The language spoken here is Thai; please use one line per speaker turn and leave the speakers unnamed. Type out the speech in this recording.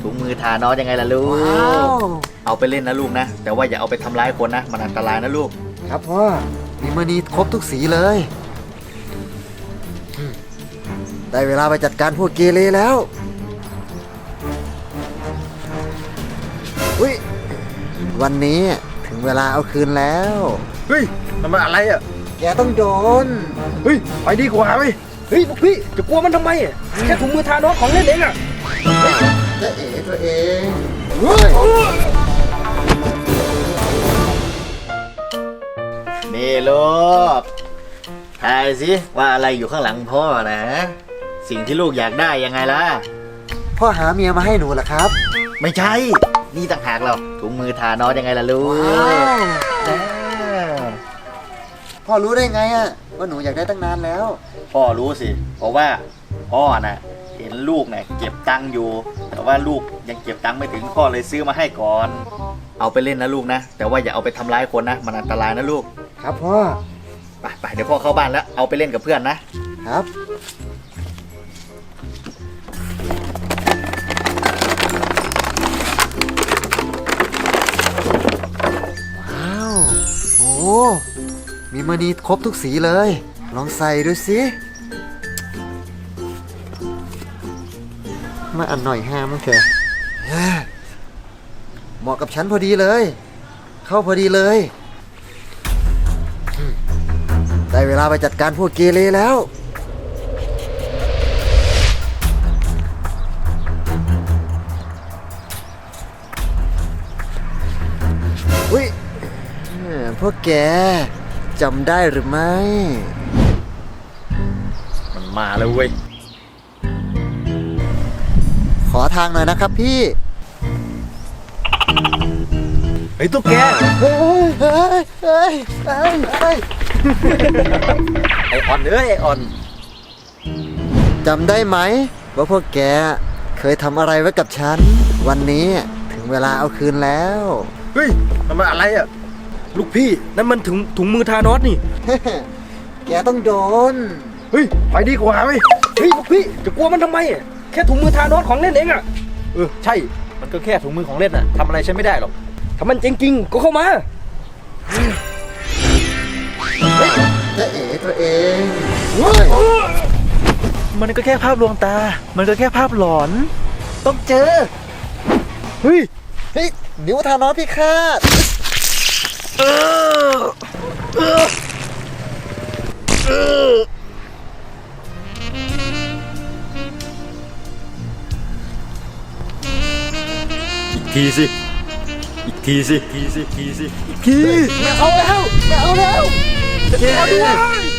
ถุงมือทานอสยังไงล่ะลูกเอาไปเล่นนะลูกนะแต่ว่าอย่าเอาไปทำร้ายคนนะมันอันตรายนะลูก
ครับพ่อมีมานีครบทุกสีเลยได้เวลาไปจัดการพวกเกเรแล้วอุ้ยวันนี้ถึงเวลาเอาคืนแล้ว
เฮ้ยมันอะไรอ่ะ
แกต้องโดน
เฮ้ยไปดีกว่าเว้ยเฮ้ยพี่จะกลัวมันทำไมแค่ถุงมือทานอสของเล่นเองอ่ะ
จะเอ๋ตัวเอง
นี่ลูกทายสิว่าอะไรอยู่ข้างหลังพ่อนะสิ่งที่ลูกอยากได้ยังไงล่ะ
พ่อหาเมียมาให้หนูเหรอครับ
ไม่ใช่นี่ต่างหากเราถุงมือทานอสยังไงล่ะลูก
พ่อรู้ได้ไงอะว่าหนูอยากได้ตั้งนานแล้ว
พ่อรู้สิเพราะว่าพ่อน่ะเห็นลูกเนี่ยเก็บตังค์อยู่แต่ว่าลูกยังเก็บตังค์ไม่ถึงพ่อเลยซื้อมาให้ก่อนเอาไปเล่นนะลูกนะแต่ว่าอย่าเอาไปทำร้ายคนนะมันอันตรายนะลูก
ครับพ่อ
ไปเดี๋ยวพ่อเข้าบ้านแล้วเอาไปเล่นกับเพื่อนนะครับ
ว้าวโอ้มีมานีครบทุกสีเลยลองใส่ดูสิมาอันหน่อยห้ามั้งเถอะเหมาะกับฉันพอดีเลยเข้าพอดีเลยได้เวลาไปจัดการพวกเกเรแล้วอุ้ยพวกแกจำได้หรือไม่
มันมาแล้วเว้ย
ขอทางหน่อยนะครับพี่
เฮ้ยตุ๊กแก
เฮ้ย
ไอออนไอออน
จำได้ไหมว่าพวกแกเคยทำอะไรไว้กับฉันวันนี้ถึงเวลาเอาคืนแล้ว
เฮ้ยมันอะไรอ่ะลูกพี่นั่นมันถุงมือทานอสนี่
แกต้องโดน
เฮ้ยไปดีกว่าเว้ยเฮ้ยลูกพี่จะกลัวมันทำไมแค่ถุงมือทานอสของเล่นเองอ่ะใช่มันก็แค่ถุงมือของเล่นอ่ะทำอะไรฉันไม่ได้หรอกถ้ามันจริงๆก็เข้ามา
จะเอ๋ตัวเอง
มันก็แค่ภาพลวงตามันก็แค่ภาพหลอนต้องเจอเฮ้ย
นิ้วทานอสพิฆาต
อีกทีสิอีกทีไม่เอาแล้ว